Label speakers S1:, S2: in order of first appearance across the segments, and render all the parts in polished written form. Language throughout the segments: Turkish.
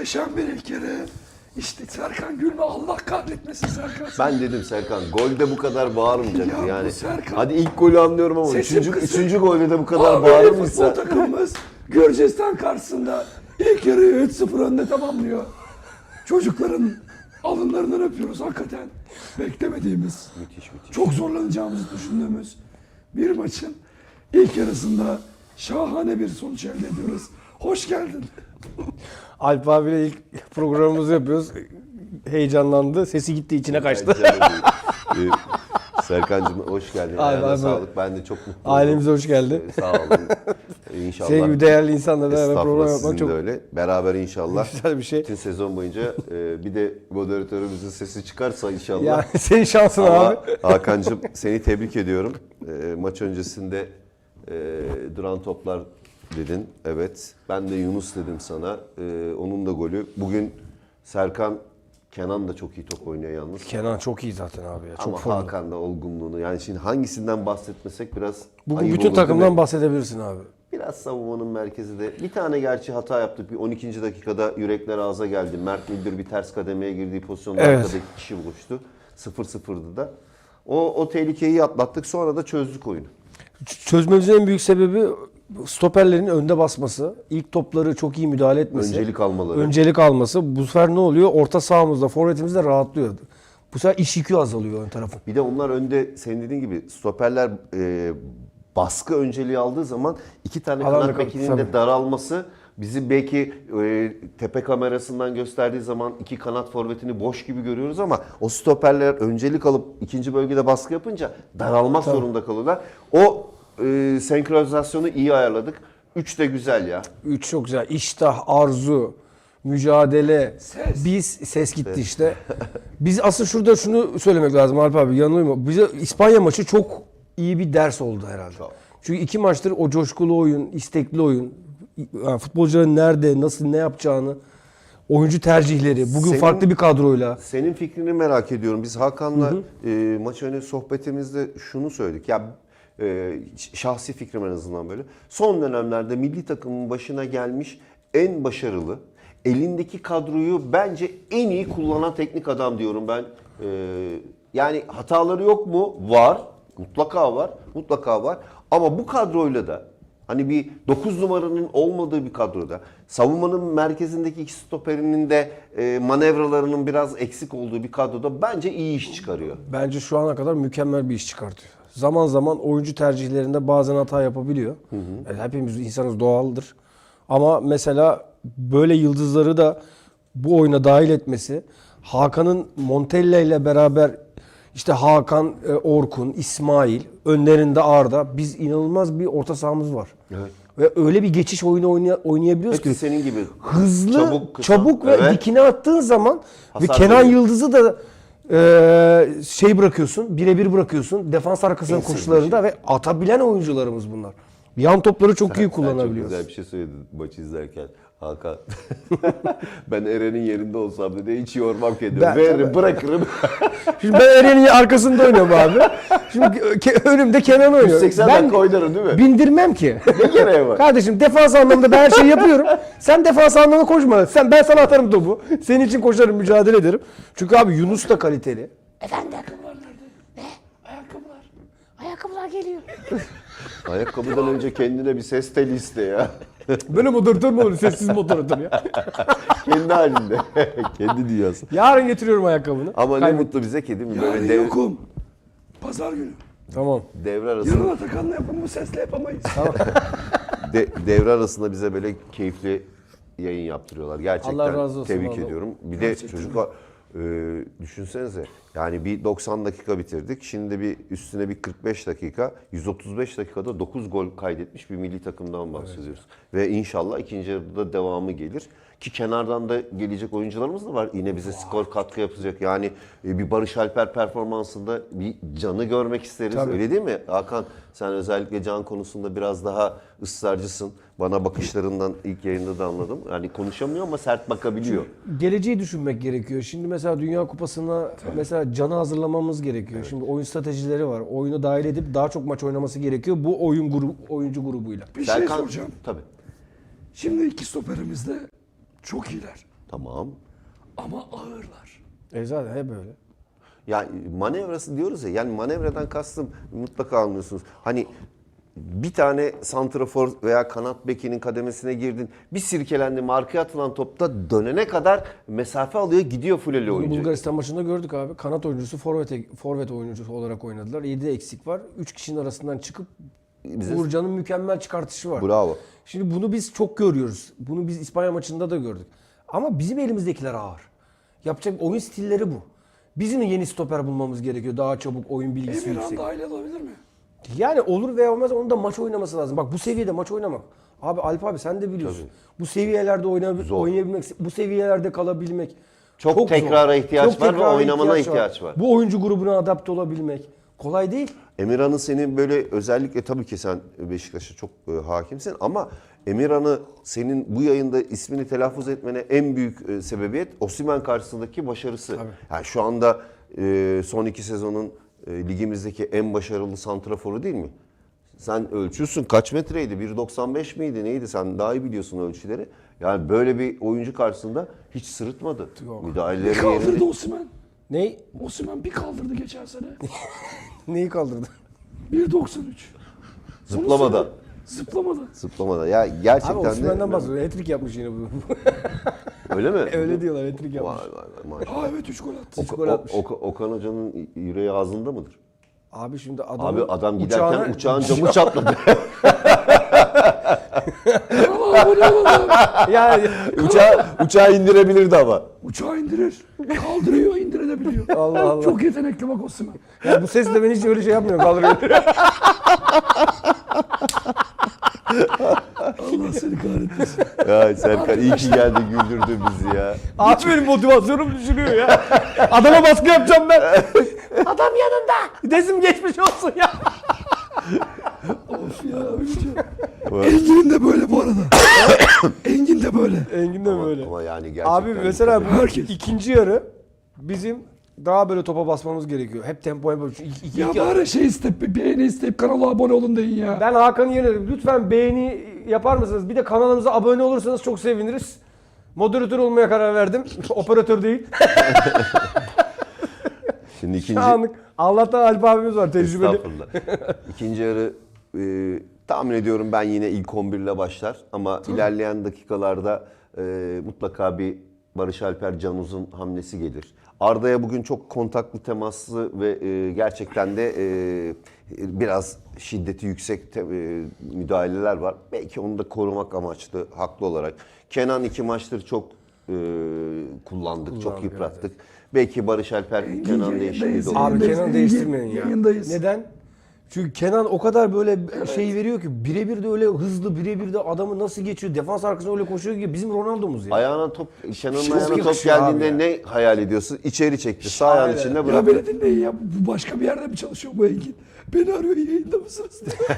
S1: Muhteşem bir ilk yarı. İşte Serkan gülme, Allah kahretmesin Serkan.
S2: Ben dedim Serkan golde bu kadar bağırmayacaktı
S1: Ya
S2: yani.
S1: bu Serkan.
S2: Hadi ilk golü anlıyorum ama
S1: Sesim
S2: üçüncü golde de bu kadar
S1: Abi futbol
S2: bağırmışsa.
S1: takımımız Gürcistan karşısında ilk yarıyı 3-0 önde tamamlıyor. Çocukların alınlarından öpüyoruz hakikaten. Beklemediğimiz,
S2: Müthiş.
S1: çok zorlanacağımızı düşündüğümüz bir maçın ilk yarısında şahane bir sonuç elde ediyoruz. Hoş geldin.
S3: Alp abiyle ilk programımızı yapıyoruz. Heyecanlandı. Sesi gitti, içine kaçtı.
S2: Serkan'cığım hoş geldin.
S3: Abi,
S2: Ayağına
S3: abi.
S2: sağlık. Ben de çok mutluyum.
S3: Ailemize hoş geldin.
S2: Sağ olun. İnşallah.
S3: Senin gibi değerli insanla beraber
S2: Estağfurullah,
S3: program
S2: sizin
S3: yapmak çok
S2: de öyle. Beraber inşallah.
S3: güzel bir şey.
S2: Bütün sezon boyunca bir de moderatörümüzün sesi çıkarsa inşallah.
S3: Yani senin şansın
S2: Ama
S3: abi.
S2: Hakan'cığım seni tebrik ediyorum. Maç öncesinde duran toplar dedin. Evet. Ben de Yunus dedim sana. Onun da golü. Bugün Serkan, Kenan da çok iyi top oynuyor yalnız.
S3: Kenan çok iyi zaten abi ya. Çok
S2: Ama
S3: formda.
S2: Hakan da olgunluğunu. Yani şimdi hangisinden bahsetmesek biraz
S3: Bugün
S2: ayıp
S3: bütün
S2: olur, değil
S3: takımdan
S2: mi?
S3: bahsedebilirsin abi.
S2: Biraz savunmanın merkezi de. Bir tane gerçi hata yaptık. Bir 12. dakikada yürekler ağza geldi. Mert Müldür bir ters kademeye girdiği pozisyonda
S3: Evet.
S2: arkada iki kişi buluştu. 0-0'dı da. O tehlikeyi atlattık. Sonra da çözdük oyunu.
S3: Çözmemizin en büyük sebebi stoperlerin önde basması. İlk topları çok iyi müdahale etmesi.
S2: Öncelik almaları.
S3: Öncelik alması. Bu sefer ne oluyor? Orta sahamızda, forvetimiz de rahatlıyor. Bu sefer iş yükü azalıyor ön tarafın.
S2: Bir de onlar önde senin dediğin gibi stoperler baskı önceliği aldığı zaman iki tane
S3: Alanda
S2: kanat
S3: kaldı,
S2: bekinin
S3: tabii.
S2: de daralması bizi belki tepe kamerasından gösterdiği zaman iki kanat forvetini boş gibi görüyoruz ama o stoperler öncelik alıp ikinci bölgede baskı yapınca daralmak zorunda kalıyorlar. O senkronizasyonu iyi ayarladık. 3 de güzel ya.
S3: 3 çok güzel. İştah, arzu, mücadele.
S1: Ses.
S3: Ses gitti işte. Biz asıl şurada şunu söylemek lazım Alp abi, yanılıyor mu? Bize İspanya maçı çok iyi bir ders oldu herhalde. Çünkü 2 maçtır o coşkulu oyun, istekli oyun, yani futbolcuların nerede, nasıl, ne yapacağını, oyuncu tercihleri, bugün farklı bir kadroyla.
S2: Senin fikrini merak ediyorum. Biz Hakan'la maç önü sohbetimizde şunu söyledik. Ya şahsi fikrim en azından böyle. Son dönemlerde milli takımın başına gelmiş en başarılı, elindeki kadroyu bence en iyi kullanan teknik adam diyorum ben. Yani hataları yok mu? Var. Mutlaka var. Mutlaka var. Ama bu kadroyla da hani bir 9 numaranın olmadığı bir kadroda, savunmanın merkezindeki iki stoperinin de manevralarının biraz eksik olduğu bir kadroda bence iyi iş çıkarıyor.
S3: Bence şu ana kadar mükemmel bir iş çıkartıyor. Zaman zaman oyuncu tercihlerinde bazen hata yapabiliyor. Yani hepimiz insanız, doğaldır. Ama mesela böyle yıldızları da bu oyuna dahil etmesi, Hakan'ın Montella ile beraber işte Hakan, Orkun, İsmail, önlerinde Arda, biz inanılmaz bir orta sahamız var.
S2: Evet.
S3: Ve öyle bir geçiş oyunu oynayabiliyoruz
S2: Hepsi
S3: ki
S2: senin gibi.
S3: hızlı,
S2: Çabuk,
S3: çabuk,
S2: kısa.
S3: ve
S2: Evet.
S3: dikine attığın zaman
S2: Hasar
S3: ve Kenan
S2: veriyor.
S3: Yıldız'ı da şey bırakıyorsun, birebir bırakıyorsun defans arkasının
S2: En
S3: koşularında ve atabilen oyuncularımız bunlar. Yan topları çok iyi
S2: Sen çok
S3: kullanabiliyoruz.
S2: güzel bir şey söyledin maçı izlerken. Hakan. Ben Eren'in yerinde olsam dedi hiç yormam kendimi.
S3: Ben-
S2: Veririm, bırakırım.
S3: Şimdi ben Eren'in arkasında oynuyorum abi. Şimdi önümde Kenan oynuyor.
S2: 180 dakika oynarım değil mi?
S3: Bindirmem ki.
S2: Ne gereği var?
S3: Kardeşim defans anlamında ben her şeyi yapıyorum. Sen defans anlamında koşma. Ben sana atarım topu. Senin için koşarım, mücadele ederim. Çünkü abi Yunus da kaliteli.
S1: Ayakkabılar nerede? Ne? Ayakkabılar. Ayakkabılar geliyor.
S2: Ayakkabıdan önce kendine bir ses teli iste ya.
S3: Böyle moderatör mü olur? Sessiz moderatör ya.
S2: Kendi halinde. Kendi dünyası.
S3: Yarın getiriyorum ayakkabını.
S2: Ama ne
S3: Kaybet-
S2: mutlu bize ki değil mi?
S1: Yarın
S2: Böyle
S1: yokum. Pazar günü.
S3: Tamam.
S2: devre arasında,
S1: Yarın Atakan'la yapın, bu sesle yapamayız.
S2: devre arasında bize böyle keyifli yayın yaptırıyorlar. Gerçekten
S3: Allah razı olsun
S2: tebrik
S3: vallahi.
S2: ediyorum. Bir de çocuklar düşünsenize yani bir 90 dakika bitirdik. Şimdi bir üstüne bir 45 dakika, 135 dakikada 9 gol kaydetmiş bir milli takımdan bahsediyoruz. Ve inşallah ikinci yarıda devamı gelir. Ki kenardan da gelecek oyuncularımız da var. Yine bize skor katkı yapacak. Yani bir Barış Alper performansında bir Can'ı görmek isteriz.
S3: Tabii.
S2: Öyle değil mi? Hakan sen özellikle Can konusunda biraz daha ısrarcısın. Bana bakışlarından ilk yayında da anladım. Yani konuşamıyor ama sert bakabiliyor.
S3: Geleceği düşünmek gerekiyor. Şimdi mesela Dünya Kupası'na mesela Can'ı hazırlamamız gerekiyor. Şimdi oyun stratejileri var. Oyunu dahil edip daha çok maç oynaması gerekiyor bu oyuncu grubuyla.
S1: Bir şey
S2: Serkan,
S1: soracağım.
S2: tabii.
S1: Şimdi iki stoperimiz de çok iyiler.
S2: Tamam.
S1: Ama ağırlar.
S3: Zaten hep öyle.
S2: Yani manevrası diyoruz ya, yani manevradan kastım mutlaka anlıyorsunuz. Hani bir tane santrafor veya kanat bekinin kademesine girdin, bir sirkelendin, arkaya atılan topta dönene kadar mesafe alıyor, gidiyor fuleli
S3: Bunu
S2: oyuncu.
S3: Bulgaristan maçında gördük abi. Kanat oyuncusu, forvet oyuncusu olarak oynadılar. 7 eksik var. 3 kişinin arasından çıkıp Uğurcan'ın mükemmel çıkartışı var.
S2: Bravo.
S3: Şimdi bunu biz çok görüyoruz. Bunu biz İspanya maçında da gördük. Ama bizim elimizdekiler ağır. Yapacak oyun stilleri bu. Bizim yeni stoper bulmamız gerekiyor. Daha çabuk, oyun bilgisi
S1: Emirhan
S3: yüksek.
S1: dahil olabilir mi?
S3: Yani olur veya olmaz, onun da maç oynaması lazım. Bak bu seviyede maç oynamak. Abi Alp abi sen de biliyorsun. Bu seviyelerde oynayabilmek, bu seviyelerde kalabilmek.
S2: Çok tekrara ihtiyaç var ve
S3: tekrara
S2: oynamana ihtiyaç var.
S3: Bu oyuncu grubuna adapte olabilmek kolay değil.
S2: Emirhan'ı senin böyle özellikle, tabii ki sen Beşiktaş'a çok hakimsin ama Emirhan'ı senin bu yayında ismini telaffuz etmene en büyük sebebiyet Osimhen karşısındaki başarısı.
S3: Tabii.
S2: Yani şu anda son 2 sezonun ligimizdeki en başarılı santraforu değil mi? Sen ölçüyorsun, kaç metreydi? 1.95 miydi neydi? Sen daha iyi biliyorsun ölçüleri. Yani böyle bir oyuncu karşısında hiç sırıtmadı.
S3: Yok.
S2: Müdahaleleri
S1: Kaldırdı
S2: yerinde.
S1: Osimhen.
S3: Ne?
S1: Osimhen bir kaldırdı geçen sene.
S3: Neyi kaldırdı?
S1: 1.93.
S2: Zıplamadan.
S1: Zıplamadan.
S2: Zıplamadan. Ya
S3: Abi
S2: gerçekten
S3: Osimhen'den
S2: de.
S3: bahsediyor. Hat-trick yapmış yine bu.
S2: Öyle mi?
S3: Öyle diyorlar, hat-trick
S2: Vay
S3: yapmış.
S2: vay vay maşallah.
S1: Ha evet 3 gol attı.
S3: Gol atmış.
S2: Okan Hoca'nın yüreği ağzında mıdır?
S3: Abi şimdi
S2: Abi adam giderken uçağın camı çatladı.
S1: Kanala abone olalım.
S3: yani
S2: uçağı indirebilirdi ama.
S1: Uçağı indirir. Kaldırıyor, indirebiliyor.
S3: Allah Allah.
S1: Çok yetenekli bak Osimhen.
S3: ya bu sesle ben hiç öyle şey yapmıyorum. Kaldırıyorum.
S1: Allah seni kahretmesin.
S2: Ya Serkan iyi ki geldi, güldürdü bizi ya.
S3: Abi benim motivasyonum düşürüyor ya. Adama baskı yapacağım ben. Adam yanında. Desim geçmiş olsun ya.
S1: Of ya öleceğim. Engin de böyle bu arada. Engin de böyle.
S3: Engin de böyle.
S2: Ama yani gerçekten.
S3: Abi mesela bu
S1: Herkes.
S3: ikinci yarı bizim daha böyle topa basmamız gerekiyor. Hep tempo yapıyoruz.
S1: Ya bari şey isteyip, bir beğeni isteyip kanala abone olun deyin ya.
S3: Ben Hakan'ı yenerim. Lütfen beğeni yapar mısınız? Bir de kanalımıza abone olursanız çok seviniriz. Moderatör olmaya karar verdim. Operatör değil.
S2: Şimdi ikinci...
S3: Anlık. Allah'tan Alp abimiz var tecrübeli.
S2: Estağfurullah. İkinci yarı tahmin ediyorum ben yine ilk 11 ile başlar. Ama ilerleyen dakikalarda mutlaka bir Barış Alper Can Uzun hamlesi gelir. Arda'ya bugün çok kontaklı, temaslı ve gerçekten de biraz şiddeti yüksek müdahaleler var. Belki onu da korumak amaçlı, haklı olarak. Kenan 2 maçtır çok kullandık, çok yıprattık. Belki Barış Alper Kenan değişikliği de olur.
S3: Abi
S1: Yayındayız.
S3: Kenan değiştirmeyin ya.
S1: Yayındayız.
S3: Neden? Çünkü Kenan o kadar böyle şey veriyor ki birebir de öyle hızlı, birebir de adamı nasıl geçiyor, defans arkasına öyle koşuyor ki bizim Ronaldo'muz ya.
S2: Ayağına top, Kenan'ın
S3: Çok
S2: ayağına top
S3: yakışıyor abi
S2: geldiğinde
S3: ya.
S2: ne hayal ediyorsun? İçeri çekti, sağ ayağın
S3: Aynen.
S2: içinde
S1: Ya
S2: bıraktı.
S1: beni dinleyin ya. Bu başka bir yerde mi çalışıyor bu Engin? Beni arıyor, yayında mısınız diye.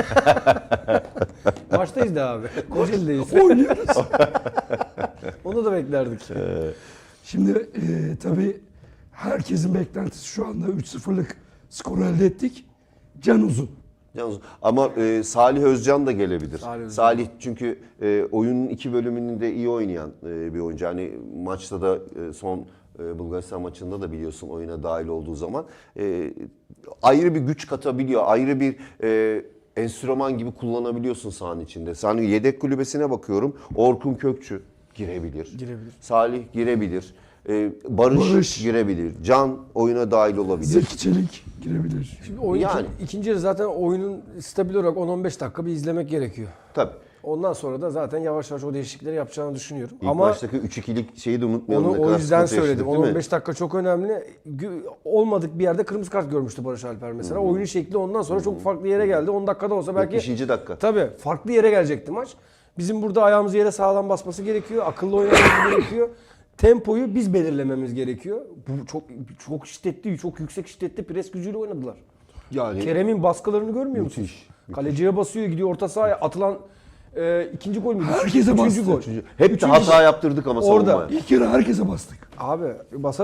S3: Maçtayız da abi. Kocaeli'deyiz.
S1: Oynuyoruz.
S3: Onu da beklerdik.
S1: Şimdi tabii herkesin beklentisi şu anda 3-0'lık skoru elde ettik. Can Uzun.
S2: Yalnız, ama Salih Özcan da gelebilir.
S3: Salih Özcan.
S2: Salih çünkü oyunun 2 bölümünü de iyi oynayan bir oyuncu. Hani maçta da son Bulgaristan maçında da biliyorsun oyuna dahil olduğu zaman ayrı bir güç katabiliyor. Ayrı bir enstrüman gibi kullanabiliyorsun sahanın içinde. Sen yedek kulübesine bakıyorum. Orkun Kökçü girebilir.
S3: Girebilir.
S2: Salih girebilir. Barış girebilir. Can oyuna dahil olabilir.
S1: Zeki Çelik girebilir.
S3: Şimdi oyun
S2: Yani.
S3: ikinci yarı zaten oyunun stabil olarak 10-15 dakika bir izlemek gerekiyor.
S2: Tabii.
S3: Ondan sonra da zaten yavaş yavaş o değişiklikleri yapacağını düşünüyorum.
S2: İlk
S3: Ama
S2: baştaki 3-2'lik şeyi de unutmayalım.
S3: onu
S2: ne
S3: o
S2: kadar
S3: yüzden
S2: sıkıntı
S3: söyledim.
S2: yaşadık, değil mi?
S3: 10-15 dakika çok önemli. Olmadık bir yerde kırmızı kart görmüştü Barış Alper mesela. Oyunun şekli ondan sonra çok farklı yere geldi. 10 dakikada olsa belki
S2: 70. dakika.
S3: tabii farklı yere gelecekti maç. Bizim burada ayağımızı yere sağlam basması gerekiyor. Akıllı oynamamız gerekiyor. Tempoyu biz belirlememiz gerekiyor. Bu çok şiddetli, çok yüksek şiddetli pres gücüyle oynadılar.
S2: Yani
S3: Kerem'in baskılarını görmüyor musun?
S2: Müthiş.
S3: Kaleciye basıyor, gidiyor orta sahaya atılan ikinci gol müydü?
S1: Herkese
S3: Üçüncü
S1: bastı.
S3: gol.
S2: hep de hata yaptırdık ama
S3: Orada.
S2: savunmaya.
S1: İlk yarı herkese bastık.
S3: Abi basarız.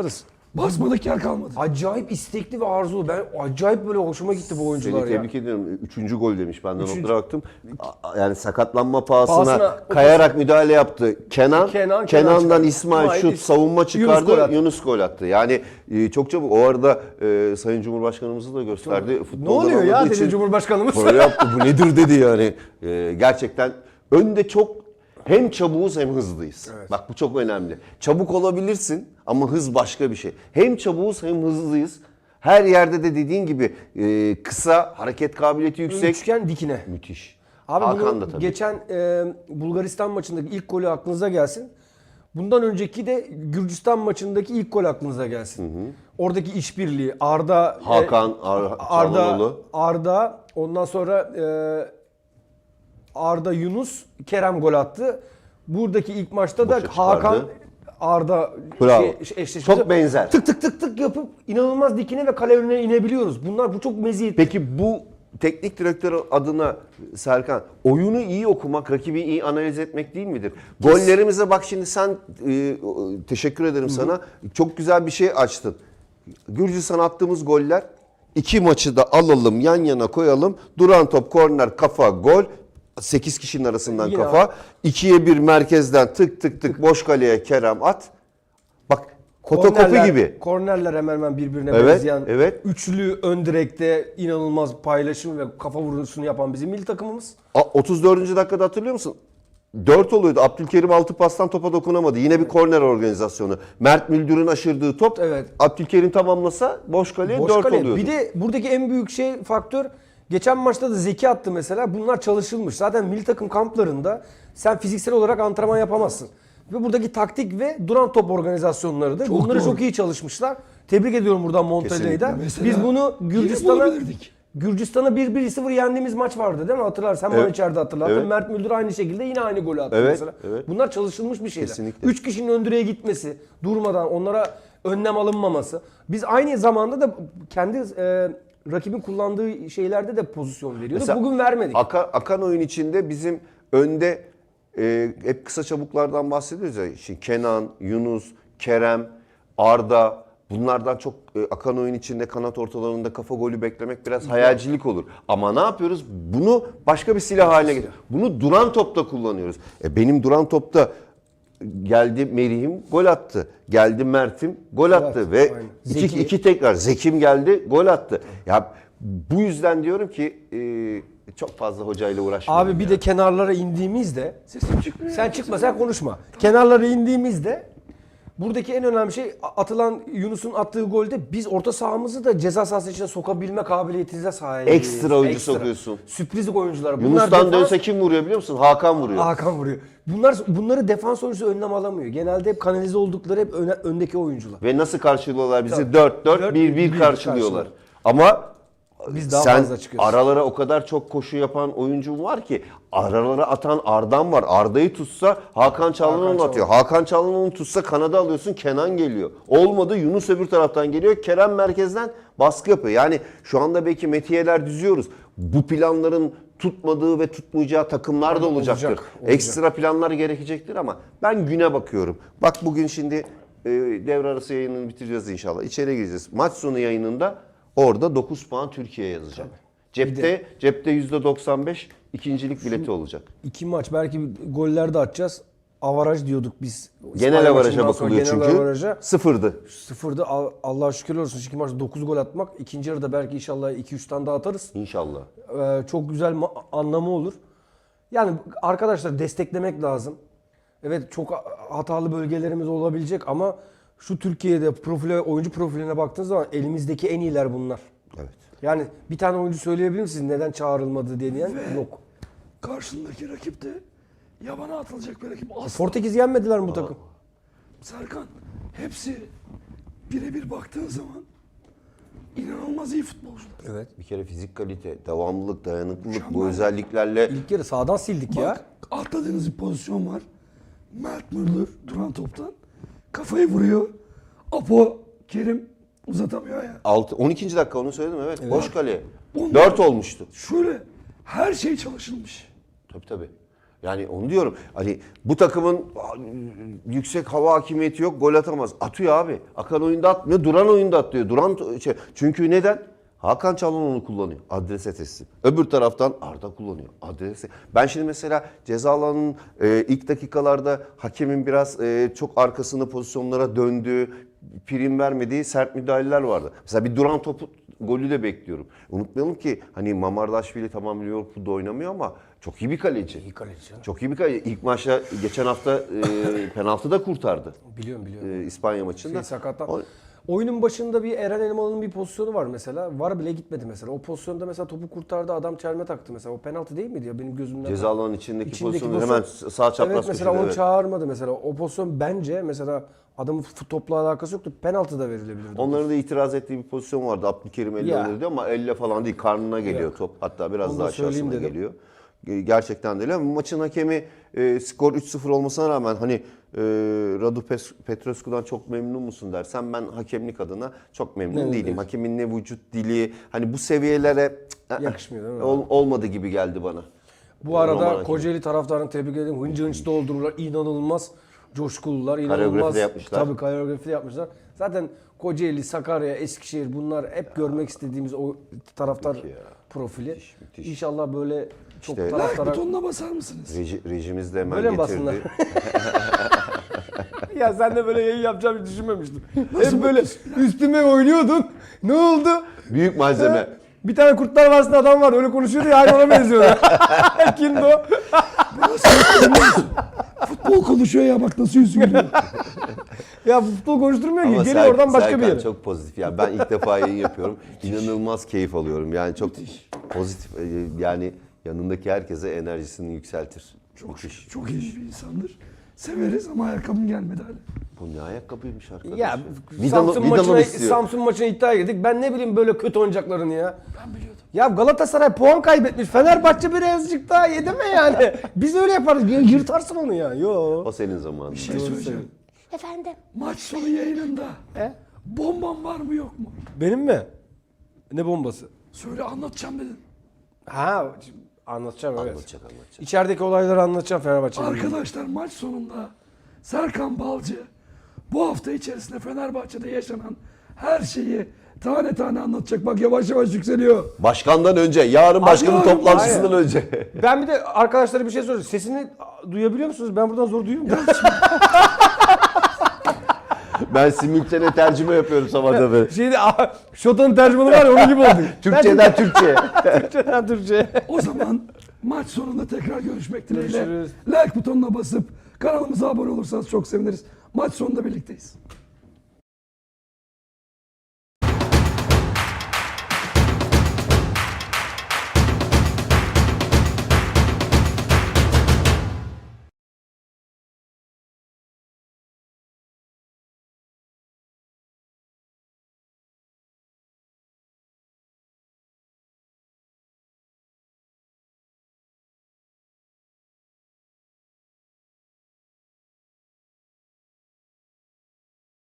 S1: Basmadık yer kalmadı.
S3: Acayip istekli ve arzulu. Ben acayip böyle hoşuma gitti bu oyuncular
S2: Seni
S3: ya.
S2: tebrik ediyorum. 3. gol demiş. Ben de
S3: Üçüncü.
S2: notlara baktım. Yani sakatlanma pahasına
S3: Pahasına
S2: kayarak müdahale yaptı. Kenan'dan
S3: çıkardı.
S2: İsmail şut, savunma
S3: Yunus
S2: çıkardı.
S3: gol attı.
S2: Yunus gol attı. Yani çok çabuk. O arada Sayın Cumhurbaşkanımızı da gösterdi.
S3: Ne
S2: Futboldan
S3: oluyor ya
S2: anladığı
S3: dedi
S2: için
S3: Cumhurbaşkanımız.
S2: böyle yaptı. Bu nedir dedi yani. Gerçekten önde çok hem çabuğuz hem hızlıyız. Bak bu çok önemli. Çabuk olabilirsin ama hız başka bir şey. Hem çabuğuz hem hızlıyız. Her yerde de dediğin gibi kısa, hareket kabiliyeti yüksek.
S3: Üçgen dikine.
S2: Müthiş.
S3: Abi
S2: Hakan
S3: bunu
S2: da tabii.
S3: geçen Bulgaristan maçındaki ilk golü aklınıza gelsin. Bundan önceki de Gürcistan maçındaki ilk gol aklınıza gelsin. Oradaki işbirliği, Arda,
S2: Hakan, Çalhanoğlu.
S3: Arda, ondan sonra Arda, Yunus, Kerem gol attı. Buradaki ilk maçta da
S2: Boşa çıkardı.
S3: Hakan, Arda
S2: Bravo.
S3: eşleşmesi.
S2: Çok benzer.
S3: Tık tık tık tık yapıp inanılmaz dikine ve kale önüne inebiliyoruz. Bu çok meziyet.
S2: Peki bu teknik direktör adına Serkan, oyunu iyi okumak, rakibi iyi analiz etmek değil midir? Gollerimize bak şimdi sen, teşekkür ederim sana. Çok güzel bir şey açtın. Gürcistan'a attığımız goller, 2 maçı da alalım, yan yana koyalım. Duran top, korner, kafa, gol. 8 kişinin arasından
S3: Yine
S2: kafa. 2'ye 1 merkezden tık tık tık boş kaleye Kerem at. Bak fotokopi gibi.
S3: Kornerler hemen hemen birbirine
S2: Evet,
S3: benzeyen.
S2: evet.
S3: Üçlü ön direkte inanılmaz paylaşım ve kafa vuruşunu yapan bizim milli takımımız.
S2: 34. dakikada hatırlıyor musun? 4 oluyordu. Abdülkerim 6 pastan topa dokunamadı. Yine bir korner organizasyonu. Mert Müldür'ün aşırdığı top.
S3: Evet.
S2: Abdülkerim tamamlasa boş kaleye
S3: Boş
S2: 4
S3: kale.
S2: oluyordu.
S3: Bir de buradaki en büyük faktör, geçen maçta da Zeki attı mesela. Bunlar çalışılmış. Zaten milli takım kamplarında sen fiziksel olarak antrenman yapamazsın. Ve buradaki taktik ve duran top organizasyonlarıdır.
S1: Çok
S3: Bunları
S1: doğru.
S3: çok iyi çalışmışlar. Tebrik ediyorum buradan Montella'yı.
S1: Mesela
S3: Biz bunu
S1: yine bulabilirdik.
S3: Gürcistan'a 1-0 yendiğimiz maç vardı değil mi? Hatırlarsın. Sen bana
S2: Evet.
S3: içeride hatırlattın.
S2: Evet.
S3: Mert Müldür aynı şekilde yine aynı golü attı
S2: Evet,
S3: mesela.
S2: evet.
S3: Bunlar çalışılmış bir şeyler.
S2: Kesinlikle.
S3: 3 kişinin ön direğe gitmesi, durmadan onlara önlem alınmaması. Biz aynı zamanda da kendi rakibin kullandığı şeylerde de pozisyon veriyorduk.
S2: Mesela
S3: Bugün vermedik.
S2: Akan oyun içinde bizim önde hep kısa çabuklardan bahsediyoruz ya. Şimdi Kenan, Yunus, Kerem, Arda, bunlardan çok akan oyun içinde kanat ortalarında kafa golü beklemek biraz hayalcilik olur. Ama ne yapıyoruz? Bunu başka bir silah haline getiriyoruz. Bunu duran topta kullanıyoruz. Benim duran topta geldi Merih'im gol attı. Geldi Mert'im gol attı. Ve
S3: aynen.
S2: iki tekrar Zekim geldi gol attı. Ya bu yüzden diyorum ki çok fazla hocayla uğraşmayalım.
S3: Abi bir de kenarlara indiğimizde,
S1: Sesim çıkmıyor.
S3: sen çıkma sen konuşma. Kenarlara indiğimizde buradaki en önemli şey atılan Yunus'un attığı golde biz orta sahamızı da ceza sahası içine sokabilme kabiliyetinize sahibiz.
S2: Ekstra oyuncu sokuyorsun.
S3: Sürpriz oyuncular. Bunlar
S2: Yunus'tan
S3: defans-
S2: dönse kim vuruyor biliyor musun? Hakan vuruyor.
S3: Hakan vuruyor. Bunları defans oyuncusu önlem alamıyor. Genelde hep kanalize oldukları hep öndeki oyuncular.
S2: Ve nasıl karşılıyorlar bizi?
S3: Tabii.
S2: 4-4-1-1 karşılıyorlar. Ama
S3: Biz daha
S2: sen
S3: fazla çıkıyoruz.
S2: aralara o kadar çok koşu yapan oyuncun var ki aralara atan Arda'm var. Arda'yı tutsa Hakan Çalhanoğlu atıyor. Hakan Çalhanoğlu tutsa kanada alıyorsun, Kenan geliyor. Olmadı Yunus öbür taraftan geliyor. Kerem merkezden baskı yapıyor. Yani şu anda belki metiyeler düzüyoruz. Bu planların tutmadığı ve tutmayacağı takımlar da olacaktır.
S3: Olacak.
S2: Ekstra planlar gerekecektir ama ben güne bakıyorum. Bak bugün şimdi devre arası yayınını bitireceğiz inşallah. İçeri gireceğiz. Maç sonu yayınında orada 9 puan Türkiye yazacak. Cepte %95 ikincilik bileti olacak.
S3: 2 maç belki goller de atacağız. Avaraj diyorduk biz.
S2: Genel
S3: İspanya
S2: avaraja
S3: maçından sonra
S2: bakılıyor
S3: genel
S2: çünkü.
S3: avaraja.
S2: Sıfırdı.
S3: Sıfırda Allah'a şükürler olsun. 2 maçta 9 gol atmak. İkinci yarıda belki inşallah 2-3 tane daha atarız.
S2: İnşallah.
S3: Çok güzel anlamı olur. Yani arkadaşlar desteklemek lazım. Evet çok hatalı bölgelerimiz olabilecek ama şu Türkiye'de oyuncu profiline baktığınız zaman elimizdeki en iyiler bunlar.
S2: Evet.
S3: Yani bir tane oyuncu söyleyebilir misiniz neden çağrılmadı diyen yok.
S1: Karşındaki rakip de yabana atılacak bir rakip. Asla.
S3: Portekiz yenmediler mi bu takım?
S1: Serkan, hepsi birebir baktığın zaman inanılmaz iyi futbolcular.
S3: Evet.
S2: Bir kere fizik kalite, devamlılık, dayanıklılık bu
S1: Mükemmel.
S2: özelliklerle
S3: İlk yarı sağdan sildik ya.
S1: Bak, atladığınız bir pozisyon var. Mert Müldür duran toptan kafayı vuruyor. Apo Kerim uzatamıyor ya.
S2: 12. dakika onu söyledim evet. Boş kale.
S1: Onlar-
S2: 4 olmuştu.
S1: Şöyle her şey çalışılmış.
S2: Tabii tabii. Yani onu diyorum. Hani bu takımın yüksek hava hakimiyeti yok, gol atamaz. Atıyor abi. Akan oyunda atmıyor, duran oyunda atlıyor. Çünkü neden? Hakan Çalhanoğlu onu kullanıyor. Adrese teslim. Öbür taraftan Arda kullanıyor. Adrese. Ben şimdi mesela ceza alanının ilk dakikalarda hakemin biraz çok arkasında pozisyonlara döndüğü, prim vermediği sert müdahaleler vardı. Mesela bir duran topu golü de bekliyorum. Unutmayalım ki hani Mamardaşvili tamam Liverpool'da oynamıyor ama çok iyi bir kaleci.
S3: İyi kaleci.
S2: Çok iyi bir kaleci. İlk maçta geçen hafta penaltı da kurtardı.
S3: Biliyorum.
S2: İspanya maçında.
S3: Sakattan. Oyunun başında bir Eren Elmalı'nın bir pozisyonu var mesela. VAR bile gitmedi mesela. O pozisyonda mesela topu kurtardı, adam çelme taktı mesela. O penaltı değil miydi ya benim gözümden?
S2: Ceza alanının içindeki pozisyonu hemen sağ çapraz
S3: evet, mesela
S2: köşede,
S3: onu çağırmadı mesela. O pozisyon bence mesela adamın topla alakası yoktu. Penaltı da verilebilirdi.
S2: Onların da itiraz ettiği bir pozisyon vardı. Abdülkerim elle
S3: Ya.
S2: alıyor ama elle falan değil. Karnına geliyor top. Hatta biraz
S3: Onu
S2: daha
S3: da söyleyeyim
S2: aşağısına
S3: dedim.
S2: geliyor. Gerçekten de öyle ama maçın hakemi skor 3-0 olmasına rağmen hani Radu Petrescu'dan çok memnun musun dersen ben hakemlik adına çok memnun değilim. Hakemin ne vücut dili hani bu seviyelere
S3: Yakışmıyor değil mi?
S2: olmadı gibi geldi bana.
S3: Bu arada
S2: Roman
S3: Kocaeli taraftarını tebrik ederim. Hınca hınç doldururlar. İnanılmaz coşkulular.
S2: Koreografi
S3: İnanılmaz.
S2: de yapmışlar.
S3: Tabii koreografi de yapmışlar. Zaten Kocaeli, Sakarya, Eskişehir bunlar hep görmek istediğimiz o taraftar profili.
S2: müthiş.
S3: İnşallah böyle çok
S2: İşte-
S1: Like
S3: taraftara...
S1: butonuna basar mısınız?
S2: Rejimiz de hemen
S3: Böyle mi
S2: getirdi.
S3: basınlar? Ya sen de böyle yayın yapacağımı hiç düşünmemiştin. Hep böyle üstüme oynuyordun. Ne oldu?
S2: Büyük malzeme.
S3: Bir tane Kurtlar Vadisi'nde adam var öyle konuşuyordu ya aynı ona benziyordu. Kimdi o?
S1: Futbol konuşuyor ya bak nasıl yüzü gülüyor.
S3: Ya futbol konuşturmuyor ki.
S2: Ama
S3: Geliyor oradan başka bir
S2: Serkan
S3: yere.
S2: çok pozitif. Yani ben ilk defa yayın yapıyorum. İnanılmaz keyif alıyorum. Yani çok pozitif. Yani yanındaki herkese enerjisini yükseltir. Müthiş.
S1: Çok iyi bir insandır. Severiz ama ayakkabım gelmedi hala.
S2: Bu ne ayakkabıymış arkadaş?
S3: Ya
S2: Vidal'ı istiyor.
S3: Samsun maçına iddia girdik. Ben ne bileyim böyle kötü oyuncaklarını ya.
S1: Ben biliyordum.
S3: Ya Galatasaray puan kaybetmiş. Fenerbahçe birazcık daha yedi mi yani? Biz öyle yaparız. Yırtarsın onu ya. Yo.
S2: O senin zamanın.
S1: Bir şey söyleyeceğim.
S4: Efendim?
S1: Maç sonu yayınında
S3: He?
S1: bomban var mı yok mu?
S3: Benim mi? Ne bombası?
S1: Söyle anlatacağım dedin.
S3: Ha anlatacağım evet.
S2: Anlatacak.
S3: İçerideki olayları anlatacağım Fenerbahçe'nin.
S1: Arkadaşlar maç sonunda Serkan Balcı bu hafta içerisinde Fenerbahçe'de yaşanan her şeyi tane tane anlatacak. Bak yavaş yavaş yükseliyor.
S2: Başkandan önce, yarın başkanın
S1: Yarın,
S2: toplantısından önce.
S3: Ben bir de arkadaşlara bir şey soracağım. Sesini duyabiliyor musunuz? Ben buradan zor duyuyor muyum?
S2: Ben simültane tercüme yapıyorum sabahda böyle.
S3: Şeyde Şota'nın tercümanı var ya onun gibi oldu.
S2: Türkçeden Türkçe'ye.
S3: Türkçeden Türkçe.
S1: O zaman maç sonunda tekrar görüşmek dileğiyle.
S3: Görüşürüz.
S1: Like butonuna basıp kanalımıza abone olursanız çok seviniriz. Maç sonunda birlikteyiz.